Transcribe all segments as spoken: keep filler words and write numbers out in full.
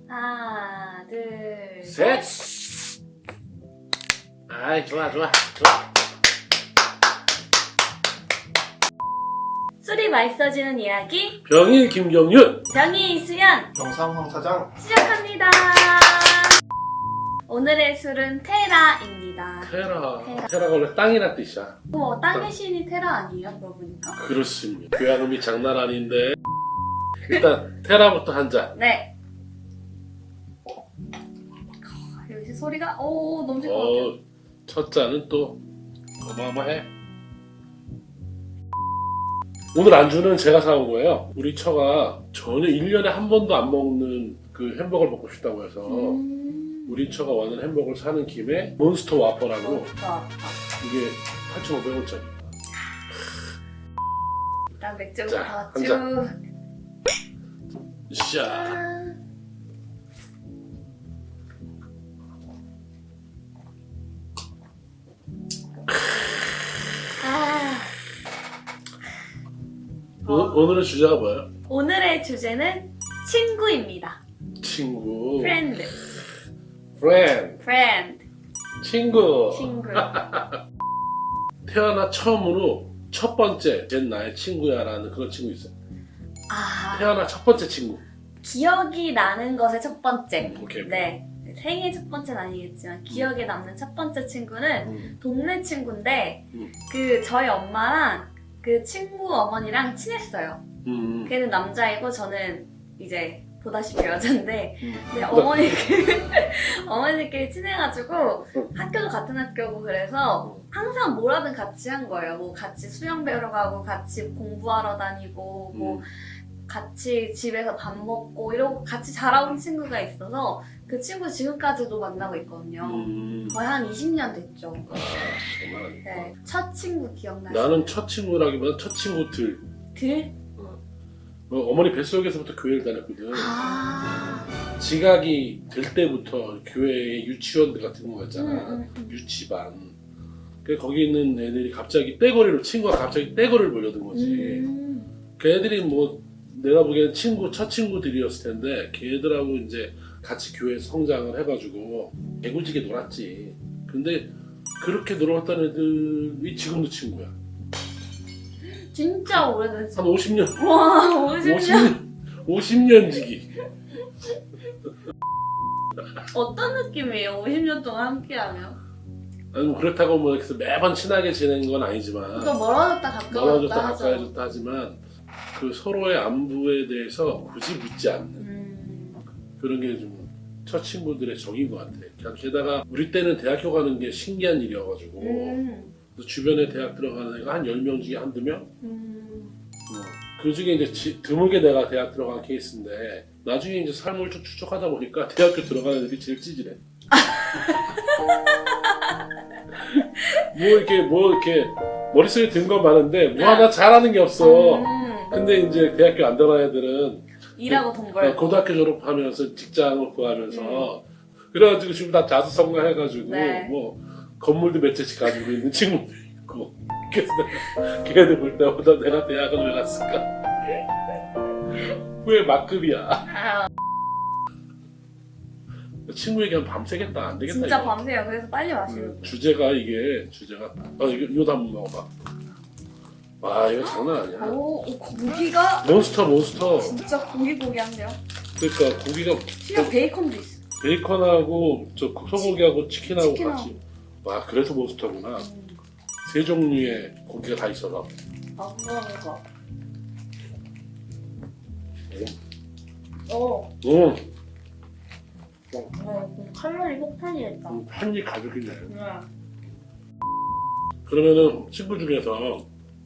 하나, 둘, 셋! 아이, 좋아, 좋아, 좋아. 술이 맛있어지는 이야기 병일 김경윤! 병이 이수연 영상 황 사장. 시작합니다. 오늘의 술은 테라입니다. 테라. 테라. 테라가 원래 땅이란 뜻이야. 뭐 땅의 신이 테라 아니에요? 그러고 보니까. 그렇습니다. 교양음이 장난 아닌데. 일단, 테라부터 한 잔. 네. 역시 소리가 오 넘칠 것 같아요. 어, 첫 잔은 또 어마어마해. 오늘 안주는 제가 사온 거예요. 우리 처가 전혀 일 년에 한 번도 안 먹는 그 햄버거를 먹고 싶다고 해서 음. 우리 처가 와는 햄버거를 사는 김에 몬스터 와퍼라고 아, 이게 팔천오백 원짜리. 일단 맥주부터 자, 한 쭉. 샤. 아. 오, 오늘의 주제가 뭐예요? 오늘의 주제는 친구입니다. 친구. 프렌드. friend. 프렌드. 친구. 친구. 태어나 처음으로 첫 번째 쟨 나의 친구야라는 그런 친구 있어요. 아. 태어나 첫 번째 친구. 기억이 나는 것의 첫 번째. 음, 오케이. 네. 생애 첫 번째는 아니겠지만 기억에 남는 첫 번째 친구는 음. 동네 친구인데 음. 그 저희 엄마랑 그 친구 어머니랑 친했어요. 음. 걔는 남자이고 저는 이제 보다시피 여잔데 음. 근데 어머니끼리 어머니끼리 친해가지고 학교도 같은 학교고 그래서 항상 뭐라든 같이 한 거예요. 뭐 같이 수영 배우러 가고 같이 공부하러 다니고 뭐 음. 같이 집에서 밥 먹고 이러고 같이 자라온 친구가 있어서 그 친구 지금까지도 만나고 있거든요. 음. 거의 한 이십 년 됐죠. 아, 정말. 네, 첫 친구 기억나요? 나는 첫 친구라기보다 첫 친구들. 들? 뭐 어머니 뱃속에서부터 교회를 다녔거든. 아, 지각이 될 때부터 교회에 유치원들 같은 거 있잖아. 음, 음, 음. 유치반. 그 거기 있는 애들이 갑자기 떼거리로 친구가 갑자기 떼거리를 몰려든 거지. 음. 그 애들이 뭐 내가 보기엔 친구 첫 친구들이었을 텐데 걔들하고 이제 같이 교회에서 성장을 해가지고 개구지게 놀았지. 근데 그렇게 놀았던 애들이 지금도 친구야. 진짜 오래됐어. 한 오십 년. 와, 오십 년. 오십 년. 오십 년 지기. 어떤 느낌이에요? 오십 년 동안 함께하면? 아니 뭐 그렇다고 뭐 이렇게 매번 친하게 지내는 건 아니지만 또 멀어졌다 가까워졌다 멀어졌다 하죠. 가까워졌다 하지만 그 서로의 안부에 대해서 굳이 묻지 않는 음. 그런 게 좀 첫 친구들의 정인 것 같아. 그냥 게다가 우리 때는 대학교 가는 게 신기한 일이어가지고 음. 그래서 주변에 대학 들어가는 애가 한 열 명 중에 한두 명? 음. 그 중에 이제 지, 드물게 내가 대학 들어간 케이스인데 나중에 이제 삶을 좀 추적하다 보니까 대학교 들어가는 애들이 제일 찌질해. 뭐 이렇게 뭐 이렇게 머릿속에 든 건 많은데 뭐 하나 잘하는 게 없어. 음. 근데 이제 대학교 안 들어간 애들은 일하고 돈 어, 벌고. 고등학교 졸업하면서 직장을 구하면서 그래가지고 지금 다 자수성가해가지고 네. 뭐 건물도 몇 채씩 가지고 있는 친구도 있고 그래서 내가 걔네들 볼 때마다 내가 대학을 왜 갔을까? 왜 막급이야? 아, 친구 얘기하면 밤새겠다. 안 되겠다. 진짜 이거. 밤새요. 그래서 빨리 마시고. 음, 주제가 이게 주제가 아 이거 이거도 한번 먹어봐. 와 이거 장난 아니야. 오, 오, 고기가 몬스터 몬스터. 진짜 고기고기한데요? 그러니까 고기가 심지어 베이컨도 있어. 베이컨하고 저 소고기하고 치킨하고 치킨하고. 같이. 와 그래서 몬스터구나. 음. 세 종류의 고기가 다 있어서. 아, 그러면서. 음. 어, 음, 어, 칼로리 폭탄이겠다. 음, 한입 가득이네. 네. 그러면은 친구 중에서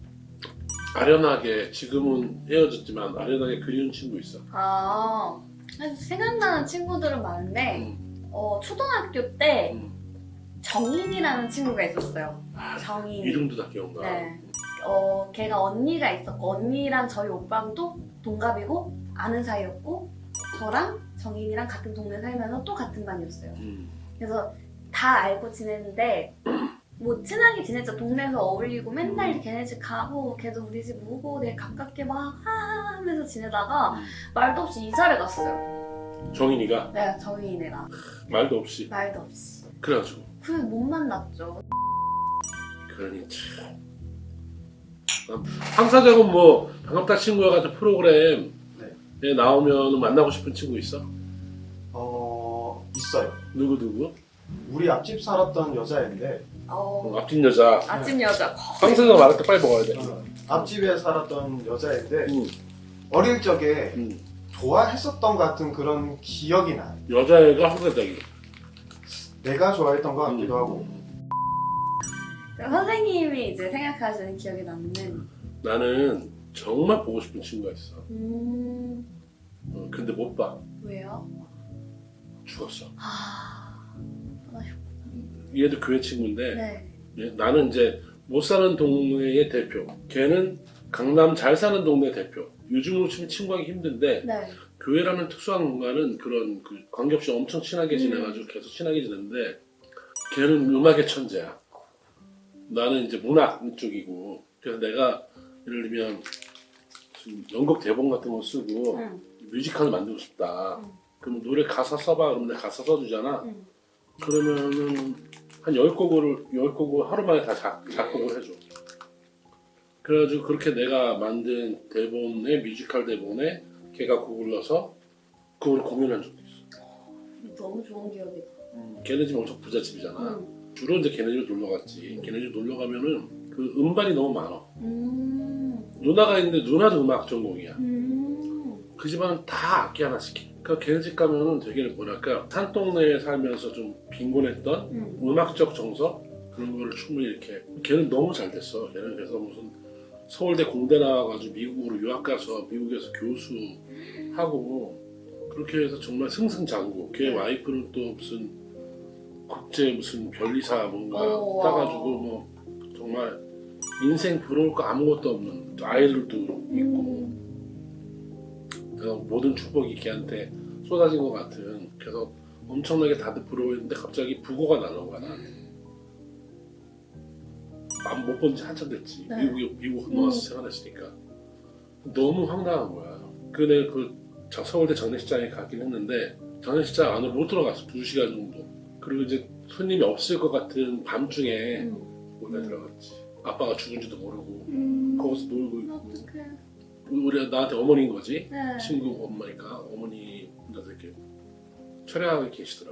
아련하게 지금은 헤어졌지만 아련하게 그리운 친구 있어. 아, 그래서 생각나는 친구들은 많은데, 음, 어, 초등학교 때 음. 정인이라는 친구가 있었어요. 아, 정인. 이름도 다 기억나. 네. 어, 걔가 언니가 있었고, 언니랑 저희 오빠랑 또 동갑이고, 아는 사이였고, 저랑 정인이랑 같은 동네 살면서 또 같은 반이었어요. 음, 그래서 다 알고 지냈는데, 뭐 친하게 지냈죠. 동네에서 어울리고 맨날 걔네 집 가고 걔도 우리 집 오고 되게 가깝게 막 하하하면서 지내다가 음. 말도 없이 이사를 갔어요. 정인이가 내가 정인이가 말도 없이 말도 없이. 그래가지고 그래 못 만났죠. 그러니 참 황사작은 뭐 반갑다 친구야 같은 프로그램에 나오면 만나고 싶은 친구 있어? 어 있어요. 누구 누구? 우리 앞집 살았던 여자인데 어, 어, 앞집 여자 아침 여자. 황사작 말할 때 빨리 먹어야 돼. 어, 앞집에 살았던 여자인데 응, 어릴 적에 응. 좋아했었던 것 같은 그런 기억이 나요. 여자애가 황사작이 내가 좋아했던 것 같기도 하고. 그럼 선생님이 이제 생각하시는 기억에 남는. 나는 정말 보고 싶은 친구가 있어. 음, 어, 근데 못 봐. 왜요? 죽었어. 아, 얘도 교회 친구인데 네. 얘- 나는 이제 못 사는 동네의 대표. 걔는 강남 잘 사는 동네 대표. 요즘으로 치면 친구하기 힘든데 네. 교회라는 특수한 공간은 그런 그 관계없이 엄청 친하게 음. 지내가지고 계속 친하게 지내는데 걔는 음악의 천재야. 나는 이제 문학 쪽이고 그래서 내가 예를 들면 지금 연극 대본 같은 거 쓰고 응. 뮤지컬을 만들고 싶다. 응. 그럼 노래 가사 써봐. 그러면 내가 가사 써주잖아. 응. 그러면은 한 열 곡을 열 곡을 하루 만에 다 작, 작곡을 해줘. 그래가지고 그렇게 내가 만든 대본에 뮤지컬 대본에 걔가 곡을 넣어서 그걸 공연한 적도 있어. 너무 좋은 기억이다. 걔네 집 엄청 부잣집이잖아. 응. 주로 이제 걔네 집 놀러 갔지. 걔네 집 놀러 가면은 그 음반이 너무 많아. 음. 누나가 있는데 누나도 음악 전공이야. 음. 그 집안은 다 악기 하나씩 해. 그러니까 걔네 집 가면은 되게 뭐랄까 산동네에 살면서 좀 빈곤했던 음. 음악적 정서 그런 거를 충분히 이렇게 걔는 너무 잘 됐어. 걔는 그래서 무슨 서울대 공대 나와가지고 미국으로 유학 가서 미국에서 교수하고 그렇게 해서 정말 승승장구. 걔 네. 와이프는 또 무슨 국제 무슨 변리사 뭔가 오, 따가지고 와우. 뭐 정말 인생 부러울 거 아무것도 없는 아이들도 있고 음. 그래서 모든 축복이 걔한테 쏟아진 것 같은 그래서 엄청나게 다들 부러워했는데 갑자기 부고가 날라온 거야 나한테. 못 본 지 한참 됐지. 네. 미국에 미국 건너와서 음. 생활했으니까 너무 황당한 거야. 그내 그 저 서울대 장례식장에 가긴 했는데 장례식장 안으로 못 들어갔어. 두 시간 정도. 그리고 이제 손님이 없을 것 같은 밤중에 음. 몰래 들어갔지. 아빠가 죽은지도 모르고 음. 거기서 놀고 있고. 어떡해. 우리 나한테 어머니인 거지. 네. 친구 엄마니까 어머니 혼자서 이렇게 촬영하고 계시더라고.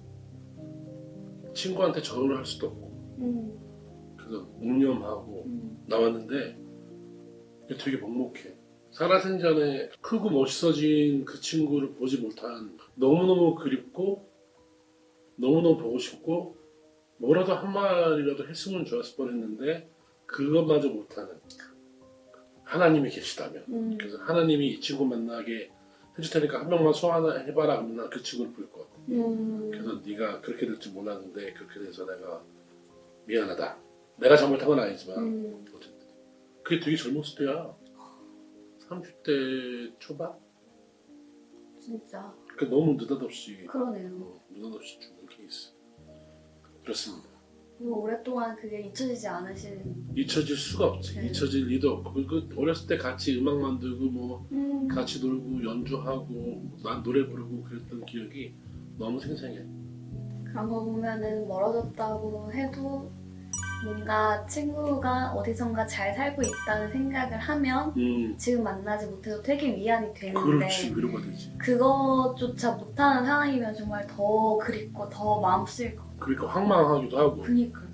친구한테 전화를 할 수도 없고 음. 그래서 묵념하고 음. 나왔는데 되게 먹먹해. 살아생전에 크고 멋있어진 그 친구를 보지 못한 너무너무 그립고 너무너무 보고 싶고 뭐라도 한 말이라도 했으면 좋았을 뻔했는데 그것마저 못하는 하나님이 계시다면 음. 그래서 하나님이 이 친구 만나게 해줄 테니까 한 명만 소환해봐라 그러면 난 그 친구를 부를 것 같아. 음. 그래서 네가 그렇게 될 줄 몰랐는데 그렇게 돼서 내가 미안하다. 내가 잘못한 건 아니지만 음. 어쨌든 그게 되게 젊었을 때야. 삼십 대 초반? 진짜 그 너무 느닷없이 그러네요. 어, 느닷없이 죽은 케이스. 그렇습니다. 그리고 오랫동안 그게 잊혀지지 않으신. 잊혀질 수가 없지. 네. 잊혀질 리도 없고 그 어렸을 때 같이 음악 만들고 뭐 음. 같이 놀고 연주하고 난 노래 부르고 그랬던 기억이 너무 생생해. 그런 거 보면은 멀어졌다고 해도 뭔가 친구가 어디선가 잘 살고 있다는 생각을 하면 음, 지금 만나지 못해도 되게 위안이 되는데 그렇지 위로가 되지. 그것조차 못하는 상황이면 정말 더 그립고 더 마음 쓰일 것 같아요. 그러니까 황망하기도 하고. 그니까요.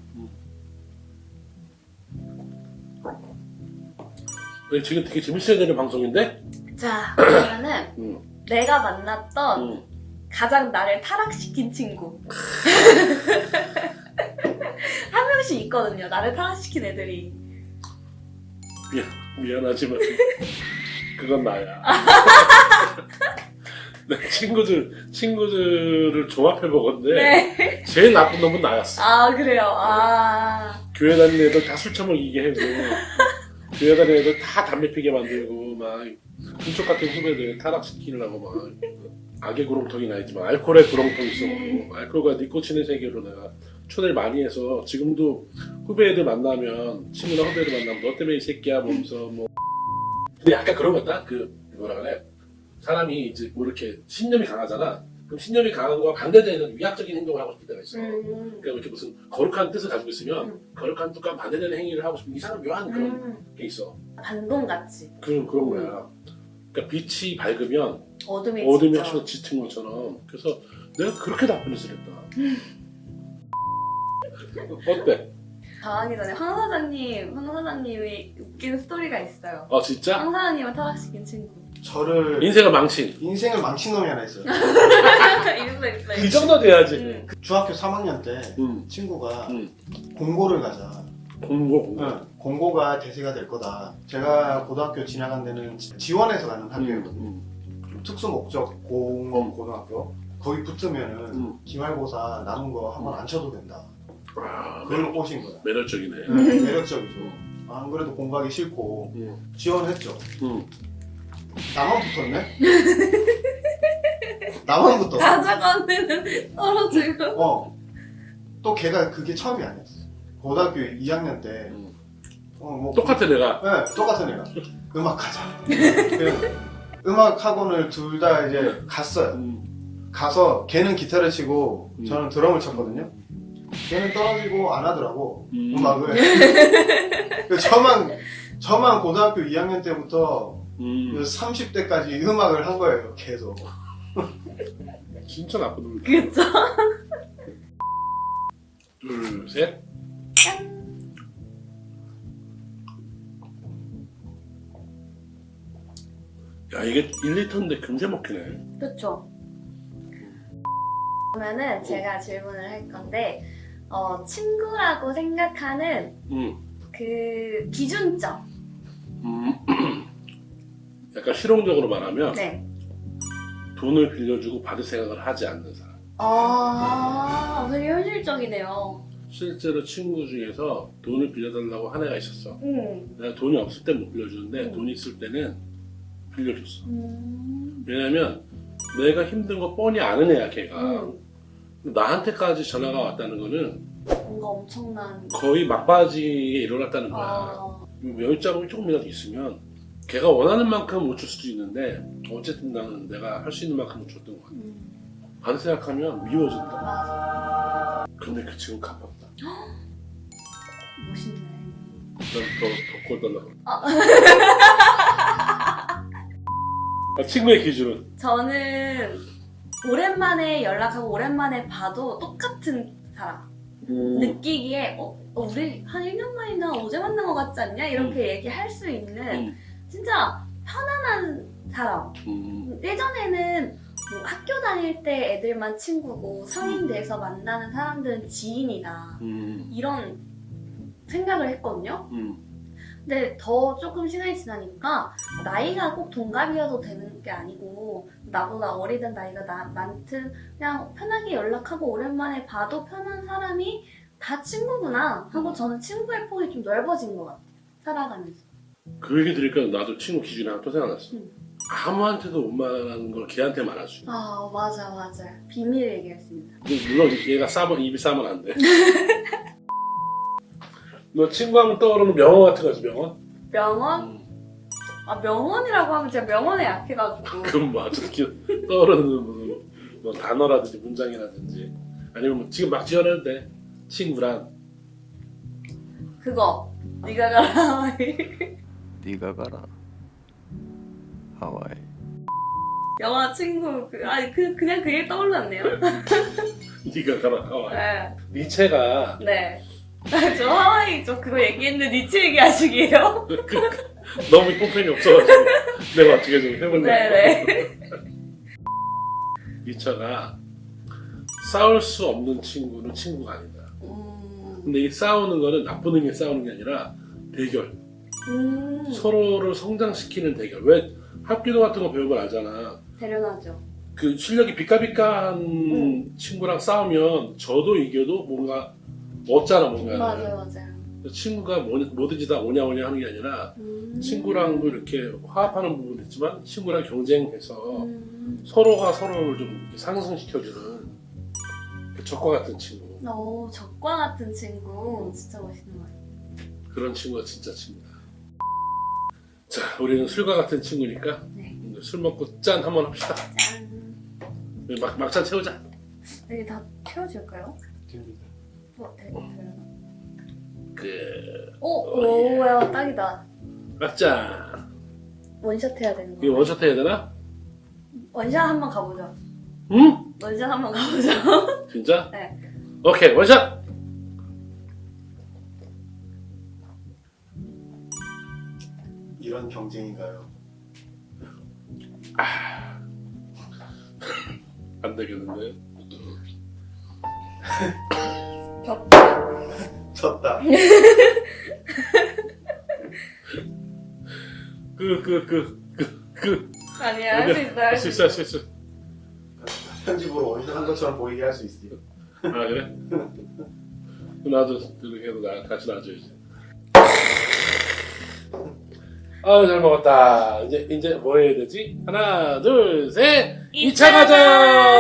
네, 지금 되게 재밌어야 되는 방송인데? 자 그러면은 음, 내가 만났던 음. 가장 나를 타락시킨 친구 한 명씩 있거든요. 나를 타락시킨 애들이. 미안, 미안하지만 그건 나야. 내 친구들 친구들을 종합해 보건데 네. 제일 나쁜 놈은 나였어. 아 그래요. 아. 교회 다니는 애들 다 술 처먹이게 하고 교회 다니는 애들 다 담배 피게 만들고 막 금쪽 같은 후배들 타락시키려고 막 악의 구렁텅이는 아니지만 알코올의 구렁텅이 있었고 알코올과 니코틴의 세계로 내가 초대를 많이 해서 지금도 후배 애들 만나면 친구나 후배 애들 만나면 너 때문에 이 새끼야 보면서 뭐 근데 약간 그런 거 같다? 그 뭐라 그래? 사람이 이제 뭐 이렇게 신념이 강하잖아. 그럼 신념이 강한 거와 반대되는 위약적인 행동을 하고 싶을 때가 있어. 음. 그러니까 이렇게 무슨 거룩한 뜻을 가지고 있으면 음. 거룩한 뜻과 반대되는 행위를 하고 싶은 이상한 묘한 그런 음. 게 있어. 반동같이 그런 그런 거야. 그러니까 빛이 밝으면 어둠이 어둠이 진짜. 확실히 짙은 것처럼. 그래서 내가 그렇게 나쁜 짓을 했다. 어때? 당하기 전에 황 사장님, 황 사장님이 웃기는 스토리가 있어요. 어 진짜? 황 사장님을 타락시킨 친구. 저를 인생을 망친. 인생을 망친 놈이 하나 있어요. 있어 있어. 그 정도 돼야지. 응. 중학교 삼 학년 때 응. 친구가 응. 공고를 가자. 공고 공고. 응, 공고가 대세가 될 거다. 제가 고등학교 진학한 데는 지- 지원해서 가는 학교였거든요. 응. 특수 목적 공업 고등학교. 거기 붙으면은 응. 기말고사 남은 거 한 번 안 쳐도 된다. 아, 그걸로 꼬신 거야. 매력적이네. 응, 매력적이죠. 안 그래도 공부하기 싫고 응. 지원했죠. 응. 나만 붙었네? 나만 붙었어. 가져가는 떨어지고. 어. 또 걔가 그게 처음이 아니었어. 고등학교 이 학년 때, 응. 어, 뭐. 똑같아 내가. 네, 똑같은 애가. 음악하자. 그래서 음악 학원을 둘 다 이제 갔어요. 응. 가서 걔는 기타를 치고 음. 저는 드럼을 쳤거든요. 걔는 떨어지고 안 하더라고. 음. 음악을. 그래서 저만, 저만 고등학교 이 학년 때부터 음. 삼십 대까지 음악을 한 거예요, 계속. 진짜 나쁜 놈이다. 그쵸? 둘, 셋. 짠. 야 이게 일 리터인데 금세 먹히네. 그쵸? 그러면은 제가 질문을 할 건데 어, 친구라고 생각하는 음. 그 기준점. 음. 약간 실용적으로 말하면 네. 돈을 빌려주고 받을 생각을 하지 않는 사람. 아, 되게 현실적이네요. 실제로 친구 중에서 돈을 빌려달라고 한 애가 있었어. 음. 내가 돈이 없을 땐 못 빌려주는데 음. 돈이 있을 때는 빌려줬어. 음. 왜냐면 내가 힘든 거 뻔히 아는 애야 걔가. 음. 나한테까지 전화가 왔다는 거는 뭔가 엄청난. 거의 막바지에 일어났다는 거야. 아, 여유자금이 조금이라도 있으면 걔가 원하는 만큼 못 줄 수도 있는데 어쨌든 나는 내가 할 수 있는 만큼 줬던 거 같아. 음. 받을 생각하면 미워진다. 맞아. 근데 그 친구 갚았다. 멋있네. 난더더 꼴달라고. 아. 아, 친구의 기준은? 저는 오랜만에 연락하고 오랜만에 봐도 똑같은 사람. 음, 느끼기에 어, 어, 우리 한 일 년 만이나 어제 만난 것 같지 않냐? 이렇게 얘기할 수 있는 음, 진짜 편안한 사람. 음, 예전에는 뭐 학교 다닐 때 애들만 친구고 성인 돼서 만나는 사람들은 지인이다. 음, 이런 생각을 했거든요. 음, 근데 더 조금 시간이 지나니까 나이가 꼭 동갑이어도 되는 게 아니고 나보다 어리든 나이가 나, 많든 그냥 편하게 연락하고 오랜만에 봐도 편한 사람이 다 친구구나 하고 저는 친구의 폭이 좀 넓어진 것 같아요. 살아가면서. 그 얘기 들으니까 나도 친구 기준이 하나 또 생각났어. 음. 아무한테도 못 말하는 걸 걔한테 말할 수 있어. 아 맞아 맞아. 비밀을 얘기했습니다. 근데 물론 얘가 싸면 입이 싸면 안 돼. 너 친구하면 떠오르는 명언 같은 거 있어, 명언? 명언? 음. 아 명언이라고 하면 제가 명언에 약해가지고. 그럼 뭐 아주 떠오르는 무슨 뭐 단어라든지 문장이라든지 아니면 뭐 지금 막 지어내도 돼. 친구란 그거 네가 가라 하와이. 네가 가라 하와이. 영화 친구 그, 아니 그 그냥 그게 떠올랐네요. 네가 가라 하와이. 네. 니체가 네. 저 하와이 저 그거 얘기했는데 니치 얘기하시기에요? 너무 뽕팬이 없어가지고 내가 어떻게 좀 해볼래. 네네. 니체가 싸울 수 없는 친구는 친구가 아니다. 음. 근데 이 싸우는 거는 나쁜 의미의 싸우는 게 아니라 대결. 음. 서로를 성장시키는 대결. 왜 합기도 같은 거 배우면 알잖아. 대련하죠. 그 실력이 비까비까한 음. 친구랑 싸우면 저도 이겨도 뭔가 얻잖아 뭔가. 맞아요 맞아요. 친구가 뭐, 뭐든지 다 오냐 오냐 하는 게 아니라 음. 친구랑도 이렇게 화합하는 부분도 있지만 친구랑 경쟁해서 음. 서로가 서로를 좀 이렇게 상승시켜주는 그 적과 같은 친구. 오 적과 같은 친구 진짜 멋있는 것 같아요. 그런 친구가 진짜 친구다. 자, 우리는 술과 같은 친구니까 네. 이제 술 먹고 짠 한번 합시다. 짠. 막 막잔 채우자. 여기 다 채워질까요? 됩니다. 어, 되, 되려나? 그 오, 오야 딱이다. 막잔. 원샷 해야 되는 이거 거. 원샷 해야 되나? 원샷 한번 가보죠. 응? 원샷 한번 가보죠. 진짜? 네. 오케이 원샷. 이런 경쟁인가요? 안 되겠는데. 겹. 졌다. 그 그 그 그 그. 아니야 할 수 있어 할 수 있어 할 수 있어. 편집으로 원샷 한 것처럼 보이게 할 수 있어요. 아 그래? 나도 이렇게 해도 나 같이 놔줘야지. 아유 잘 먹었다. 이제 이제 뭐 해야 되지? 하나 둘 셋. 이 차 가자.